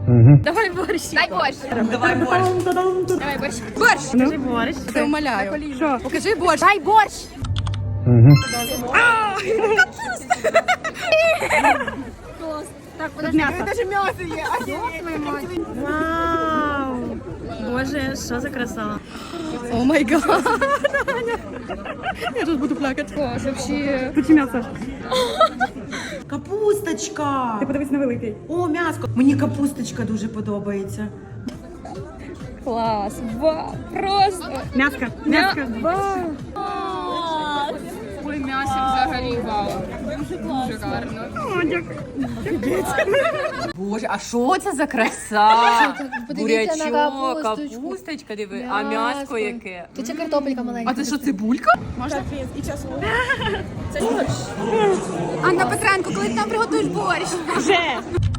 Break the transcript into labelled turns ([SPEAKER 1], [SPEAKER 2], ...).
[SPEAKER 1] Давай борщ.
[SPEAKER 2] Дай борщ.
[SPEAKER 3] Давай борщ.
[SPEAKER 2] Давай борщ. Борщ.
[SPEAKER 1] Покажи борщ. Це умоляю. Що? Покажи борщ.
[SPEAKER 2] Дай борщ. Так, подожди, это даже мясо є.
[SPEAKER 1] Вау! Боже, що за краса. О май гад. Я тут буду плакати.
[SPEAKER 2] О, вообще.
[SPEAKER 1] Включи м'ясо.
[SPEAKER 3] Капусточка.
[SPEAKER 1] Ти подивись на великий.
[SPEAKER 3] О, м'яско. Мені капусточка дуже подобається.
[SPEAKER 2] Клас. Вау. Просто.
[SPEAKER 1] М'яско. М'яско.
[SPEAKER 2] Вау. Ой, м'ясо взагалі вау. Дуже гарно.
[SPEAKER 1] О, дякую.
[SPEAKER 4] Боже, а що це за краса?
[SPEAKER 2] Подивіться на
[SPEAKER 4] Бурячок,
[SPEAKER 2] капусточку.
[SPEAKER 4] капусточка, диви, а м'яско яке.
[SPEAKER 2] Тут це картопелька маленька.
[SPEAKER 4] А це що, цибулька?
[SPEAKER 2] Анна Петренко, коли ти нам приготуєш борщ?
[SPEAKER 1] Вже.